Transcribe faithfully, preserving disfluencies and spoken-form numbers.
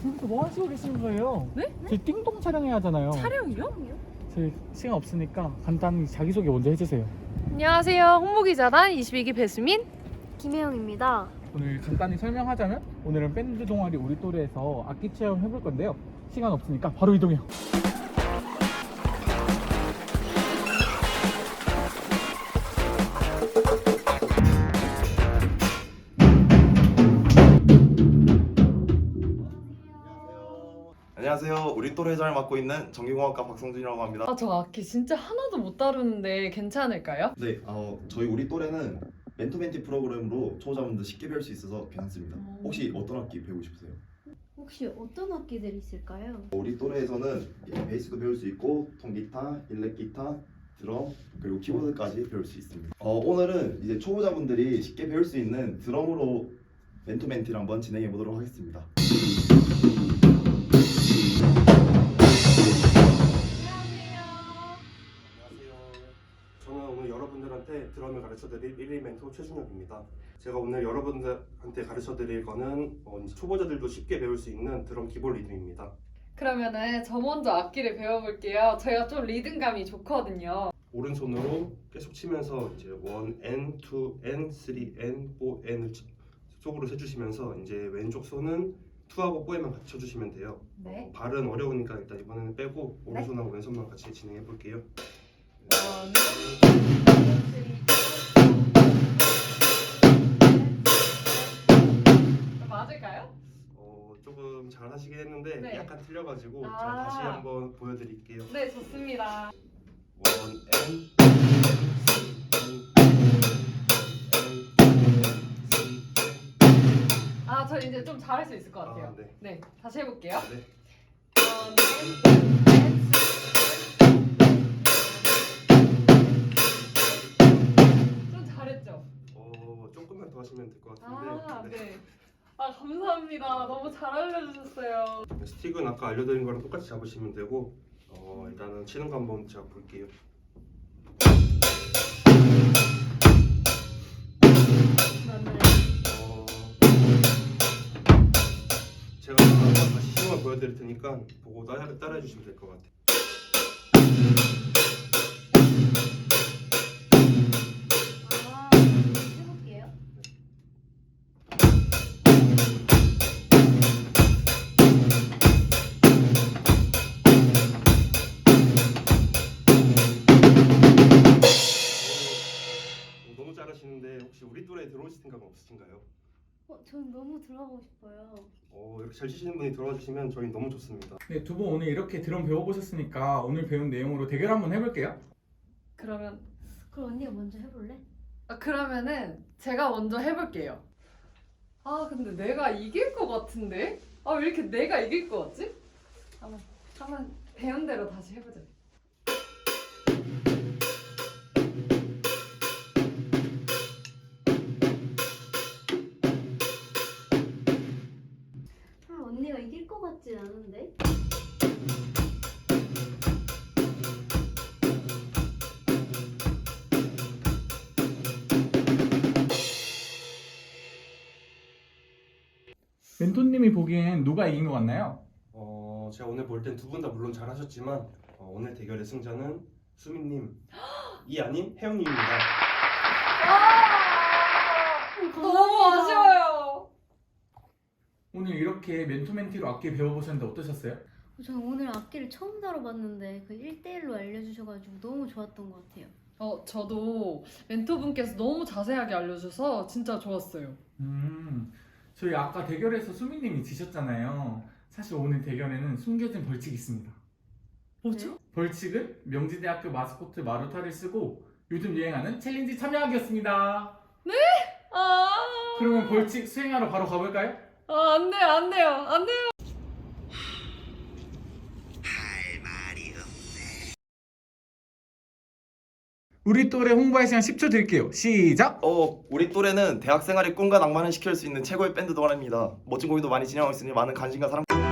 지금부터 뭐 하시고 계시는 거예요? 네? 저희 띵동 촬영해야 하잖아요. 촬영이요? 저희 시간 없으니까 간단히 자기소개 먼저 해주세요. 안녕하세요. 홍보기자단 이십이 기 배수민 김혜영입니다. 오늘 간단히 설명하자면 오늘은 밴드 동아리 우리 또래에서 악기 체험 해볼 건데요. 시간 없으니까 바로 이동해요. 안녕하세요. 우리 또래 회장을 맡고 있는 전기공학과 박성준이라고 합니다. 아, 저 악기 진짜 하나도 못 다루는데 괜찮을까요? 네, 어, 저희 우리 또래는 멘토멘티 프로그램으로 초보자분들 쉽게 배울 수 있어서 괜찮습니다. 혹시 어떤 악기 배우고 싶으세요? 혹시 어떤 악기들이 있을까요? 우리 또래에서는 베이스도 배울 수 있고 통기타, 일렉기타, 드럼 그리고 키보드까지 배울 수 있습니다. 어, 오늘은 이제 초보자분들이 쉽게 배울 수 있는 드럼으로 멘토멘티를 한번 진행해 보도록 하겠습니다. 저는 오늘 여러분들한테 드럼을 가르쳐드릴 일 일 멘토 최준혁입니다. 제가 오늘 여러분들한테 가르쳐드릴 거는 어, 이제 초보자들도 쉽게 배울 수 있는 드럼 기본 리듬입니다. 그러면은 저 먼저 악기를 배워볼게요. 제가 좀 리듬감이 좋거든요. 오른손으로 계속 치면서 이제 일 엔, 이 엔, 삼 엔, 사 엔을 속으로 세주시면서 이제 왼쪽 손은 이하고 사에만 같이 쳐주시면 돼요. 네. 어, 발은 어려우니까 일단 이번에는 빼고 오른손하고 왼손만 같이 진행해 볼게요. 원, 맞을까요? 어, 조금 잘 하시긴 했는데 네. 약간 틀려가지고 아. 제가 다시 한번 보여드릴게요. 네, 좋습니다. 원 엔, 아, 저 이제 좀 잘할 수 있을 것 같아요. 아, 네. 네, 다시 해볼게요. 네. 원, 엔, 좀 잘했죠? 어, 조금만 더 하시면 될 것 같은데. 아, 네. 네. 아, 감사합니다. 너무 잘 알려주셨어요. 스틱은 아까 알려드린 거랑 똑같이 잡으시면 되고, 어, 일단은 치는 거 한번 제가 볼게요. 어, 제가 한번 다시 시험을 보여드릴 테니까 보고 따라, 따라해 주시면 될 것 같아요. 아, 해볼게요. 어, 너무 잘하시는데 혹시 우리 또래에 들어오실 생각은 없으신가요? 어, 전 너무 들어가고 싶어요. 어, 이렇게 잘 치시는 분이 들어와 주시면 저희 너무 좋습니다. 네, 두 분 오늘 이렇게 드럼 배워보셨으니까 오늘 배운 내용으로 대결 한번 해볼게요. 그러면 그럼 언니가 먼저 해볼래? 아, 그러면은 제가 먼저 해볼게요. 아, 근데 내가 이길 것 같은데? 아, 왜 이렇게 내가 이길 것 같지? 한번 한번 배운 대로 다시 해보자. 아, 언니가 이길 것 같진 않은데? 멘토님이 보기엔 누가 이긴 것 같나요? 어, 제가 오늘 볼 땐 두 분 다 물론 잘하셨지만 어, 오늘 대결의 승자는 수민님 이 아닌 혜영님입니다. 너무 아쉬워요. 오늘 이렇게 멘토멘티로 악기 배워보셨는데 어떠셨어요? 저는 오늘 악기를 처음 다뤄봤는데 그 일 대일로 알려주셔가지고 너무 좋았던 것 같아요. 어, 저도 멘토분께서 너무 자세하게 알려줘서 진짜 좋았어요. 음, 저희 아까 대결에서 수민님이 지셨잖아요. 사실 오늘 대결에는 숨겨진 벌칙이 있습니다. 뭐죠? 벌칙은 명지대학교 마스코트 마루타를 쓰고 요즘 유행하는 챌린지 참여하기였습니다. 아, 그러면 벌칙 수행하러 바로 가볼까요? 아, 안 돼요, 안 돼요, 안 돼요. 우리 또래 홍보할 시간 십 초 드릴게요. 시작! 어, 우리 또래는 대학 생활의 꿈과 낭만을 시킬 수 있는 최고의 밴드 동아리입니다. 멋진 공연도 많이 진행하고 있으니 많은 관심과 사랑